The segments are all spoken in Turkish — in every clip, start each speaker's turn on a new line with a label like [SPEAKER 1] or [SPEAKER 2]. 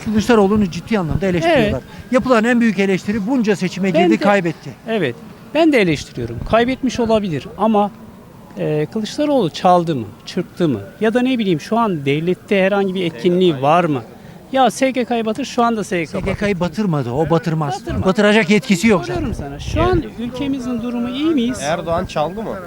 [SPEAKER 1] Kılıçdaroğlu'nu ciddi anlamda eleştiriyorlar.
[SPEAKER 2] Evet.
[SPEAKER 1] Yapılan en büyük eleştiri bunca seçime
[SPEAKER 2] Ben
[SPEAKER 1] girdi,
[SPEAKER 2] de-
[SPEAKER 1] kaybetti.
[SPEAKER 2] Evet. Ben de eleştiriyorum. Kaybetmiş olabilir ama Kılıçdaroğlu çaldı mı, çırptı mı? Ya da ne bileyim şu an devlette herhangi bir etkinliği var mı? Ya SGK'yı batır, şu anda SGK batır.
[SPEAKER 1] SGK'yı batırmadı, o batırmaz.
[SPEAKER 2] Batırmaz.
[SPEAKER 1] Batıracak yetkisi yok zaten.
[SPEAKER 2] Soruyorum sana. Şu an ülkemizin durumu iyi miyiz?
[SPEAKER 3] Erdoğan çaldı mı?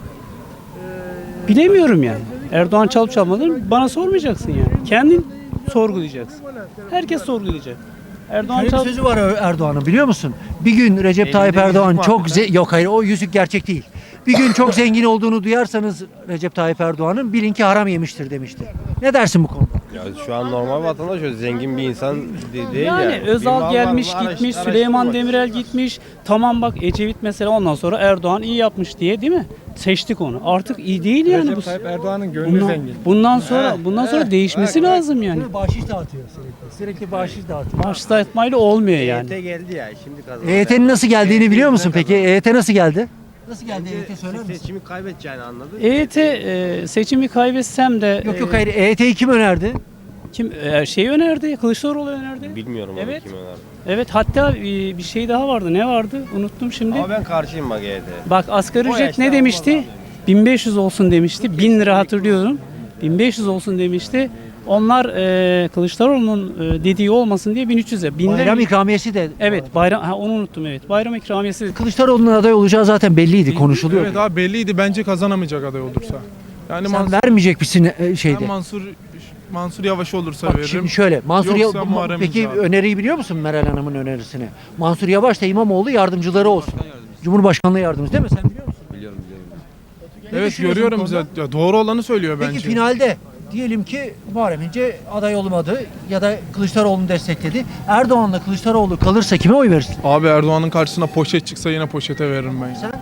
[SPEAKER 2] Bilemiyorum yani. Erdoğan çalıp çalmadığını bana sormayacaksın yani. Kendin sorgulayacaksın. Herkes sorgulayacak. Erdoğan
[SPEAKER 1] Şöyle bir
[SPEAKER 2] çalıp...
[SPEAKER 1] sözü var Erdoğan'ın, biliyor musun? Bir gün Recep Tayyip Erdoğan çok yok hayır, o yüzük gerçek değil. Bir gün çok zengin olduğunu duyarsanız Recep Tayyip Erdoğan'ın, bilin ki haram yemiştir demişti. Ne dersin bu konuda?
[SPEAKER 3] Ya şu an normal vatandaş öyle zengin bir insan değil
[SPEAKER 2] Yani
[SPEAKER 3] yani.
[SPEAKER 2] Özal gelmiş gitmiş, Süleyman Demirel gitmiş. Tamam bak Ecevit mesela, ondan sonra Erdoğan iyi yapmış diye, değil mi? Seçtik onu. Artık iyi değil yani bu.
[SPEAKER 4] Recep Tayyip Erdoğan'ın gönlü zengin.
[SPEAKER 2] Bundan sonra değişmesi lazım yani.
[SPEAKER 1] Bahşiş dağıtıyor sürekli. Sürekli bahşiş dağıtıyor.
[SPEAKER 2] Maaş dağıtmayla olmuyor yani.
[SPEAKER 3] EYT geldi ya şimdi kazandı.
[SPEAKER 1] EYT'nin nasıl geldiğini biliyor musun peki? EYT nasıl geldi? Nasıl geldi EYT, söyler misin?
[SPEAKER 3] Seçimi kaybedeceğini anladın.
[SPEAKER 2] EYT seçimi kaybetsem de
[SPEAKER 1] Yok hayır, EYT'yi kim önerdi?
[SPEAKER 2] kim şeyi önerdi? Kılıçdaroğlu önerdi.
[SPEAKER 3] Bilmiyorum onu
[SPEAKER 2] Evet.
[SPEAKER 3] kim önerdi.
[SPEAKER 2] Evet, hatta bir şey daha vardı. Ne vardı? Unuttum şimdi.
[SPEAKER 3] Ama ben karşıyım bak EYT'ye.
[SPEAKER 2] Bak asgari
[SPEAKER 3] O
[SPEAKER 2] ücret
[SPEAKER 3] yaşta
[SPEAKER 2] ne demişti?
[SPEAKER 3] olmaz
[SPEAKER 2] 1500 olsun demişti. 1000 lira hatırlıyorum. 1500 olsun demişti. Onlar Kılıçdaroğlu'nun dediği olmasın diye 1300'e.
[SPEAKER 1] Bayram ikramiyesi de.
[SPEAKER 2] Evet, bayram onu unuttum, evet. Bayram ikramiyesi.
[SPEAKER 1] Kılıçdaroğlu'nun aday olacağı zaten belliydi, konuşuluyor.
[SPEAKER 4] Evet abi, belliydi, bence kazanamayacak aday olursa. Yani
[SPEAKER 1] Sen vermeyecek misin şeyde?
[SPEAKER 4] ben Mansur Yavaş olursa
[SPEAKER 1] Bak
[SPEAKER 4] veririm.
[SPEAKER 1] şimdi şöyle, Mansur
[SPEAKER 4] Yoksa Muharrem
[SPEAKER 1] peki
[SPEAKER 4] İnce abi.
[SPEAKER 1] öneriyi biliyor musun Meral Hanım'ın önerisini? Mansur Yavaş da İmamoğlu yardımcıları olsun. Cumhurbaşkanlığı yardımcısı değil mi? Sen biliyor musun?
[SPEAKER 3] Biliyorum.
[SPEAKER 1] Ne
[SPEAKER 4] Evet,
[SPEAKER 1] düşünüyorsun
[SPEAKER 4] görüyorum
[SPEAKER 1] bu konuda?
[SPEAKER 4] bize. Ya, doğru olanı söylüyor
[SPEAKER 1] Peki
[SPEAKER 4] bence.
[SPEAKER 1] finalde diyelim ki Muharrem İnce aday olmadı ya da Kılıçdaroğlu'nu destekledi. Erdoğan'la Kılıçdaroğlu kalırsa kime oy verirsin?
[SPEAKER 4] Abi Erdoğan'ın karşısına poşet çıksa yine poşete veririm ben.
[SPEAKER 1] Sen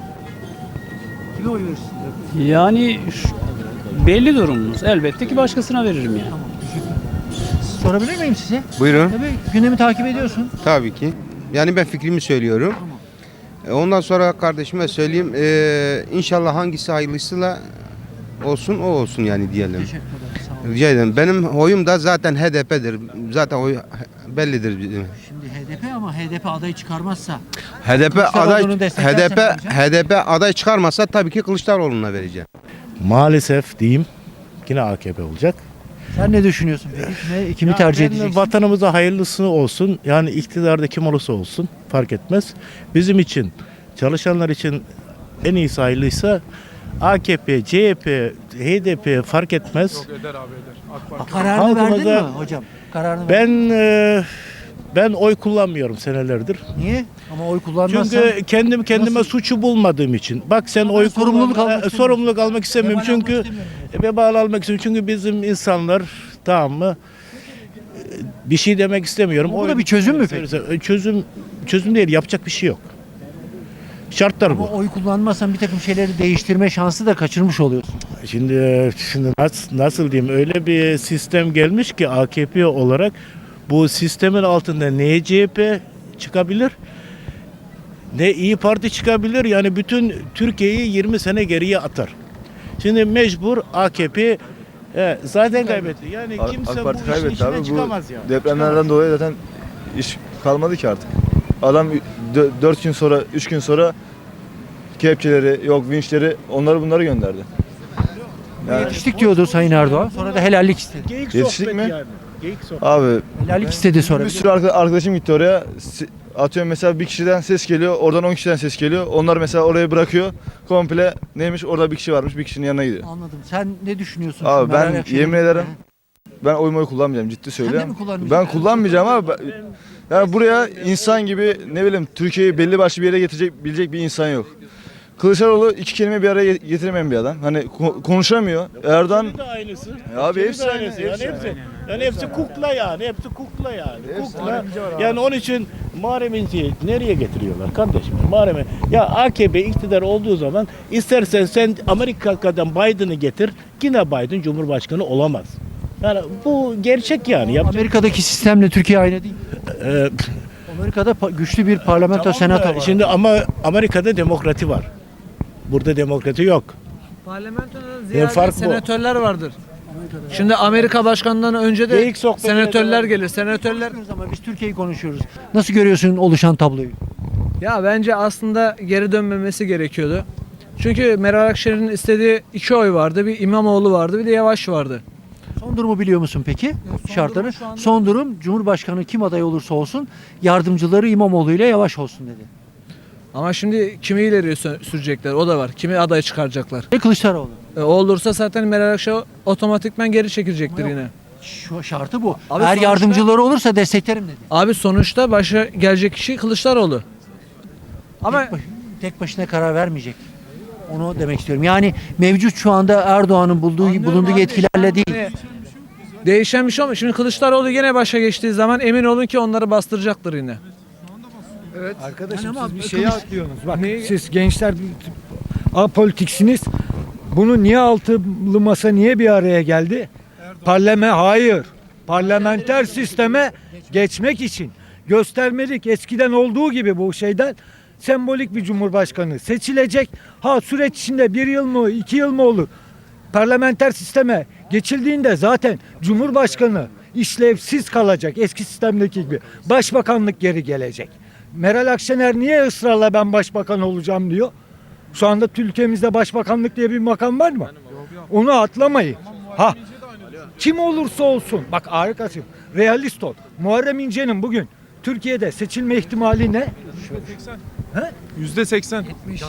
[SPEAKER 1] kime oy verirsin?
[SPEAKER 2] Yani belli durumumuz. Elbette ki başkasına veririm yani.
[SPEAKER 1] Tamam, teşekkür ederim. Sorabilir miyim size?
[SPEAKER 5] Buyurun.
[SPEAKER 1] Tabii gündemi takip ediyorsun.
[SPEAKER 5] Tabii ki. Yani ben fikrimi söylüyorum. Ondan sonra kardeşime söyleyeyim. İnşallah hangisi hayırlısıyla olsun o olsun yani diyelim.
[SPEAKER 1] Teşekkür ederim. Sağ olun.
[SPEAKER 5] Rica ederim. Benim oyum da zaten HDP'dir. Zaten oy bellidir bizim.
[SPEAKER 1] Şimdi HDP ama HDP adayı çıkarmazsa
[SPEAKER 5] HDP aday
[SPEAKER 1] Kılıçdaroğlu'nu desteklersen
[SPEAKER 5] HDP
[SPEAKER 1] ne olacak?
[SPEAKER 5] HDP aday çıkarmasa tabii ki Kılıçdaroğlu'na vereceğim.
[SPEAKER 6] Maalesef diyeyim yine AKP olacak.
[SPEAKER 1] sen ne düşünüyorsun peki? Kimi tercih
[SPEAKER 6] Yani
[SPEAKER 1] edeceksin?
[SPEAKER 6] vatanımıza hayırlısı olsun. Yani iktidarda kim olursa olsun fark etmez. Bizim için, çalışanlar için en iyisi hayırlıysa AKP, CHP, HDP fark etmez.
[SPEAKER 4] Yok, eder abi, eder. AK Parti.
[SPEAKER 1] Kararını verdin mi
[SPEAKER 6] Halkımıza-
[SPEAKER 1] hocam? Kararını verdin.
[SPEAKER 6] Ben oy kullanmıyorum senelerdir.
[SPEAKER 1] Niye? Ama oy kullanmazsan
[SPEAKER 6] Çünkü kendime
[SPEAKER 1] Nasıl?
[SPEAKER 6] suçu bulmadığım için. Bak sen
[SPEAKER 1] Ama
[SPEAKER 6] oy
[SPEAKER 1] sorumluluk
[SPEAKER 6] kullan-
[SPEAKER 1] almak
[SPEAKER 6] sorumluluk almak istemiyorum.
[SPEAKER 1] Vebal almak
[SPEAKER 6] Çünkü
[SPEAKER 1] istemiyorum.
[SPEAKER 6] vebal almak istemiyorum. Çünkü bizim insanlar, tamam mı? Bir şey demek istemiyorum.
[SPEAKER 1] Ama bu da
[SPEAKER 6] Oy-
[SPEAKER 1] bir çözüm mü peki?
[SPEAKER 6] Çözüm değil. Yapacak bir şey yok. Şartlar
[SPEAKER 1] ama
[SPEAKER 6] bu.
[SPEAKER 1] oy kullanmazsan bir takım şeyleri değiştirme şansı da kaçırmış oluyorsun.
[SPEAKER 6] Şimdi nasıl diyeyim, öyle bir sistem gelmiş ki AKP olarak bu sistemin altında ne CHP çıkabilir ne İyi Parti çıkabilir, yani bütün Türkiye'yi 20 sene geriye atar. Şimdi mecbur AKP zaten kaybetti. Yani kimse
[SPEAKER 7] AK
[SPEAKER 6] bu
[SPEAKER 7] Parti
[SPEAKER 6] işin
[SPEAKER 7] kaybetti
[SPEAKER 6] içinden
[SPEAKER 7] abi. Bu
[SPEAKER 6] çıkamaz ya.
[SPEAKER 7] depremlerden dolayı zaten iş kalmadı ki artık. Adam 4 gün sonra, 3 gün sonra kepçeleri, yok vinçleri, bunları gönderdi. Yani,
[SPEAKER 1] Yetiştik diyordu Sayın Erdoğan. Sonra da helallik istedi.
[SPEAKER 6] Geyik
[SPEAKER 7] Yetiştik
[SPEAKER 6] sohbet
[SPEAKER 7] mi?
[SPEAKER 6] yani. Geyik sohbet.
[SPEAKER 7] abi
[SPEAKER 1] Helallik istedi sonra.
[SPEAKER 7] bir sürü arkadaşım gitti oraya. Atıyorum mesela bir kişiden ses geliyor, oradan 10 kişiden ses geliyor. Onlar mesela orayı bırakıyor. Komple neymiş, orada bir kişi varmış, bir kişinin yanına gidiyor.
[SPEAKER 1] Anladım. Sen ne düşünüyorsun?
[SPEAKER 7] Abi
[SPEAKER 1] şu Meral
[SPEAKER 7] ben
[SPEAKER 1] Akşener'in-
[SPEAKER 7] yemin ederim ben oyumu kullanmayacağım, ciddi
[SPEAKER 1] de
[SPEAKER 7] söylüyorum.
[SPEAKER 1] mi kullanmayacaksın?
[SPEAKER 7] Ben kullanmayacağım abi. Yani buraya insan gibi, ne bileyim, Türkiye'yi belli başlı bir yere getirebilecek bir insan yok. Kılıçdaroğlu iki kelime bir araya getiremeyen bir adam. Hani konuşamıyor. Erdoğan
[SPEAKER 6] Hepsi de aynısı.
[SPEAKER 7] abi
[SPEAKER 6] Hepsi
[SPEAKER 7] hepsi
[SPEAKER 6] de
[SPEAKER 7] aynı.
[SPEAKER 6] aynısı. Yani hepsi, yani hepsi kukla yani. Hepsi kukla yani. Kukla.
[SPEAKER 7] İnce var abi.
[SPEAKER 6] Yani onun için Muharrem İnce'yi nereye getiriyorlar kardeşim? Muharrem'i. Ya AKP iktidar olduğu zaman istersen sen Amerika'dan Biden'ı getir. Yine Biden Cumhurbaşkanı olamaz. Yani bu gerçek yani.
[SPEAKER 1] Amerika'daki sistemle Türkiye aynı değil.
[SPEAKER 6] Ee,
[SPEAKER 1] Amerika'da güçlü bir parlamento,
[SPEAKER 6] tamam da
[SPEAKER 1] senato var.
[SPEAKER 6] Şimdi ama Amerika'da demokrati var. Burada demokrati yok.
[SPEAKER 8] Parlamentoda
[SPEAKER 6] fark
[SPEAKER 8] ziyade
[SPEAKER 6] bu.
[SPEAKER 8] senatörler vardır. Şimdi Amerika başkanından önce de
[SPEAKER 6] Geyik sohbeti
[SPEAKER 8] senatörler gelir. Senatörler
[SPEAKER 1] Ama biz Türkiye'yi konuşuyoruz. Nasıl görüyorsun oluşan tabloyu?
[SPEAKER 8] ya bence aslında geri dönmemesi gerekiyordu. Çünkü Meral Akşener'in istediği 2 oy vardı. Bir İmamoğlu vardı, bir de Yavaş vardı.
[SPEAKER 1] Son durumu biliyor musun peki? Şartları.
[SPEAKER 8] durum şu anda-
[SPEAKER 1] Son durum Cumhurbaşkanı kim aday olursa olsun yardımcıları İmamoğlu ile Yavaş olsun dedi.
[SPEAKER 8] Ama şimdi kimi ileri sürecekler o da var. Kimi aday çıkaracaklar.
[SPEAKER 1] Ve Kılıçdaroğlu.
[SPEAKER 8] O olursa zaten Meral Akşener otomatikman geri çekilecektir yine.
[SPEAKER 1] Şu şartı bu.
[SPEAKER 8] Abi
[SPEAKER 1] Eğer
[SPEAKER 8] sonuçta-
[SPEAKER 1] yardımcıları olursa desteklerim dedi.
[SPEAKER 8] Abi sonuçta başa gelecek kişi Kılıçdaroğlu. Ama
[SPEAKER 1] Tek başına karar vermeyecek. Onu demek istiyorum. Yani mevcut şu anda Erdoğan'ın bulunduğu
[SPEAKER 8] abi,
[SPEAKER 1] yetkilerle değil.
[SPEAKER 8] hani değişen bir şey olmuyor. Şimdi Kılıçdaroğlu yine başa geçtiği zaman emin olun ki onları bastıracaktır yine.
[SPEAKER 9] Arkadaşım
[SPEAKER 1] Yani ama
[SPEAKER 9] siz bir
[SPEAKER 1] Kılıç-
[SPEAKER 9] şeye atlıyorsunuz. Bak
[SPEAKER 8] Neyi-
[SPEAKER 9] siz gençler apolitiksiniz. Bunu niye altılı masa niye bir araya geldi? Hayır. Parlamenter sisteme geçmek için göstermelik eskiden olduğu gibi bu şeyden sembolik bir cumhurbaşkanı seçilecek. Ha süreç içinde 1 yıl mı 2 yıl mı olur? Parlamenter sisteme geçildiğinde zaten cumhurbaşkanı işlevsiz kalacak eski sistemdeki gibi. Başbakanlık geri gelecek. Meral Akşener niye ısrarla ben başbakan olacağım diyor? Şu anda ülkemizde başbakanlık diye bir makam var mı? Onu atlamayın. Ha kim olursa olsun bak harikasın. Realist ol. Muharrem İnce'nin bugün Türkiye'de seçilme ihtimali ne?
[SPEAKER 4] %80.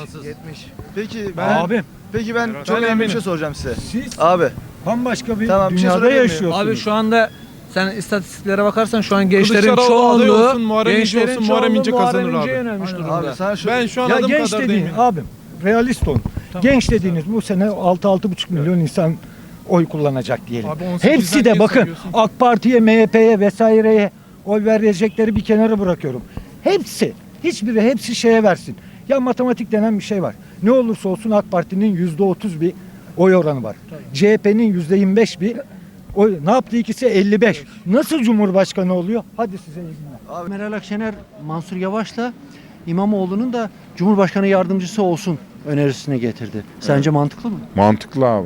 [SPEAKER 9] Abim
[SPEAKER 7] Ben çok önemli bir şey soracağım size.
[SPEAKER 9] siz
[SPEAKER 7] Abi
[SPEAKER 9] bambaşka bir
[SPEAKER 7] Tamam, bir şey
[SPEAKER 9] dünyada
[SPEAKER 7] sorabilir miyim?
[SPEAKER 9] yaşıyorsunuz.
[SPEAKER 8] Abi şu anda sen istatistiklere bakarsan şu an gençlerin
[SPEAKER 4] Kılıçdaroğlu aday
[SPEAKER 8] çoğunluğu
[SPEAKER 4] olsun, Muharrem İnce olsun, Muharrem İnce kazanır abi.
[SPEAKER 8] yönelmiş durumda.
[SPEAKER 7] abi sana şu
[SPEAKER 4] Ben şu an
[SPEAKER 9] Ya
[SPEAKER 4] adım
[SPEAKER 9] genç
[SPEAKER 4] kadar
[SPEAKER 9] dediğin
[SPEAKER 4] değilim.
[SPEAKER 9] abim realist olun. Genç dediğiniz bu sene 6-6,5 milyon insan oy kullanacak diyelim.
[SPEAKER 4] Abi 18'den
[SPEAKER 9] Hepsi de
[SPEAKER 4] niye
[SPEAKER 9] bakın
[SPEAKER 4] sayıyorsun?
[SPEAKER 9] AK Parti'ye, MHP'ye vesaireye oy verecekleri bir kenara bırakıyorum. Hepsi şeye versin. Ya matematik denen bir şey var. Ne olursa olsun AK Parti'nin %30 bir oy oranı var. CHP'nin %25 bir oy. Ne yaptı ikisi? 55. Nasıl Cumhurbaşkanı oluyor? Hadi size iyi günler.
[SPEAKER 1] Meral Akşener, Mansur Yavaş'la İmamoğlu'nun da Cumhurbaşkanı yardımcısı olsun önerisini getirdi. Sence mantıklı mı?
[SPEAKER 10] Mantıklı abi.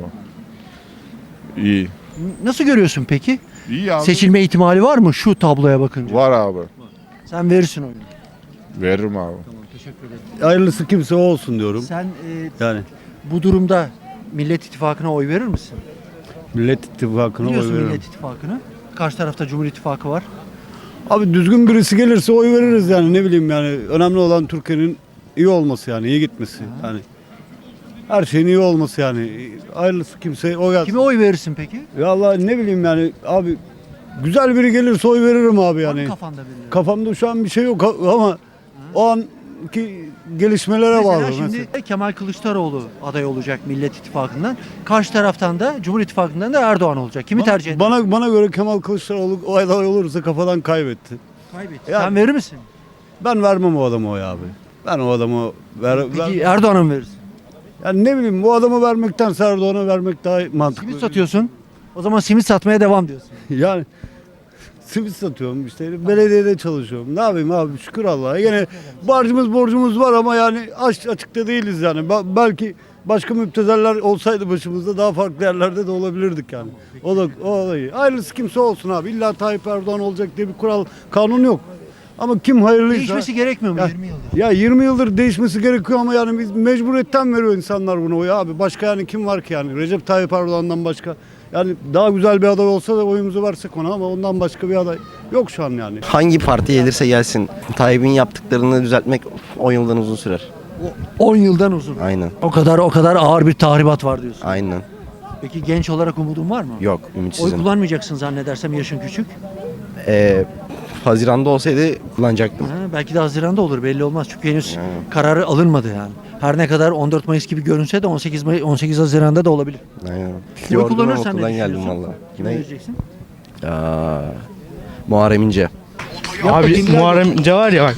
[SPEAKER 10] İyi.
[SPEAKER 1] Nasıl görüyorsun peki?
[SPEAKER 10] İyi abi.
[SPEAKER 1] Seçilme ihtimali var mı şu tabloya bakınca?
[SPEAKER 10] Var abi.
[SPEAKER 1] Sen verirsin oyunu.
[SPEAKER 10] Veririm abi.
[SPEAKER 1] Teşekkür ederim.
[SPEAKER 11] Hayırlısı kimse olsun diyorum.
[SPEAKER 1] Sen
[SPEAKER 11] Yani
[SPEAKER 1] bu durumda Millet İttifakı'na oy verir misin?
[SPEAKER 11] Millet İttifakı'na oy
[SPEAKER 1] Biliyorsun
[SPEAKER 11] veririm.
[SPEAKER 1] Millet İttifakı'nı. Karşı tarafta Cumhur İttifakı var.
[SPEAKER 11] Abi düzgün birisi gelirse oy veririz yani ne bileyim yani. Önemli olan Türkiye'nin iyi olması yani iyi gitmesi. Yani her şeyin iyi olması yani. Hayırlısı kimse oy yazsın.
[SPEAKER 1] Kime oy verirsin peki?
[SPEAKER 11] Vallahi ne bileyim yani abi güzel biri gelirse oy veririm abi
[SPEAKER 1] Var mı
[SPEAKER 11] yani.
[SPEAKER 1] kafanda birileri?
[SPEAKER 11] Kafamda şu an bir şey yok ama o anki gelişmelere
[SPEAKER 1] Mesela
[SPEAKER 11] bağlı.
[SPEAKER 1] şimdi Kemal Kılıçdaroğlu aday olacak Millet İttifakı'ndan. Karşı taraftan da Cumhur İttifakı'ndan da Erdoğan olacak. Kimi tercih eder?
[SPEAKER 11] Bana göre Kemal Kılıçdaroğlu o aday olursa kafadan kaybetti.
[SPEAKER 1] Kaybetti.
[SPEAKER 11] Ya-
[SPEAKER 1] Sen verir misin?
[SPEAKER 11] Ben vermem o adama oy abi. Ben o adamı
[SPEAKER 1] Peki Erdoğan'a mı verirsin?
[SPEAKER 11] yani ne bileyim bu adamı vermekten Erdoğan'a vermek daha mantıklı.
[SPEAKER 1] Simit satıyorsun. O zaman simit satmaya devam diyorsun.
[SPEAKER 11] Yani simit satıyorum işte belediyede çalışıyorum. Ne yapayım abi şükür Allah'a. Yine borcumuz var ama yani açıkta değiliz yani. Belki başka müptezeller olsaydı başımızda daha farklı yerlerde de olabilirdik yani. O da iyi. Hayırlısı kimse olsun abi. İlla Tayyip Erdoğan olacak diye bir kural kanun yok. Ama kim hayırlıysa.
[SPEAKER 1] Değişmesi gerekmiyor mu
[SPEAKER 11] Ya-
[SPEAKER 1] 20 yıldır?
[SPEAKER 11] Ya 20 yıldır değişmesi gerekiyor ama yani biz mecburiyetten veriyor insanlar bunu oyu abi. Başka yani kim var ki yani Recep Tayyip Erdoğan'dan başka. Yani daha güzel bir aday olsa da oyumuzu versek ona ama ondan başka bir aday yok şu an yani.
[SPEAKER 3] hangi parti gelirse gelsin Tayyip'in yaptıklarını düzeltmek 10 yıldan uzun sürer.
[SPEAKER 1] 10 yıldan uzun.
[SPEAKER 3] Aynen.
[SPEAKER 1] O kadar ağır bir tahribat var diyorsun.
[SPEAKER 3] Aynen.
[SPEAKER 1] Peki genç olarak umudun var mı?
[SPEAKER 3] Yok
[SPEAKER 1] Oy
[SPEAKER 3] ümitsizim.
[SPEAKER 1] kullanmayacaksın zannedersem yaşın küçük.
[SPEAKER 3] Haziran'da olsaydı kullanacaktım.
[SPEAKER 1] Ha, belki de Haziran'da olur belli olmaz çünkü henüz kararı alınmadı yani. Her ne kadar 14 Mayıs gibi görünse de 18 Haziran'da da olabilir.
[SPEAKER 3] Aynen.
[SPEAKER 1] Kimi
[SPEAKER 3] Yordum ama
[SPEAKER 1] kullanırsan ne
[SPEAKER 3] okuldan geldim
[SPEAKER 1] düşünüyorsun?
[SPEAKER 3] valla.
[SPEAKER 1] Kime
[SPEAKER 3] Ne?
[SPEAKER 1] vereceksin?
[SPEAKER 3] Muharrem İnce.
[SPEAKER 1] Abi
[SPEAKER 12] Muharrem İnce var ya bak.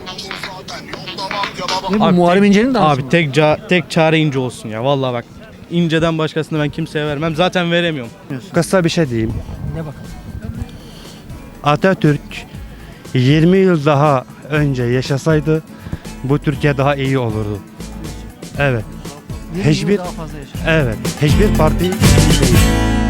[SPEAKER 1] Ne bu
[SPEAKER 12] Abi
[SPEAKER 1] Muharrem İnce'nin dansı
[SPEAKER 12] Abi
[SPEAKER 1] mı?
[SPEAKER 12] tek çare İnce olsun ya vallahi bak. İnce'den başkasını ben kimseye vermem. Zaten veremiyorum.
[SPEAKER 9] Kısa bir şey diyeyim.
[SPEAKER 1] Ne bakalım?
[SPEAKER 9] Atatürk 20 yıl daha önce yaşasaydı bu Türkiye daha iyi olurdu. Evet.
[SPEAKER 1] 20 yıl
[SPEAKER 9] Hiçbir-
[SPEAKER 1] daha fazla yaşa.
[SPEAKER 9] Evet. Hiçbir parti iyi değil.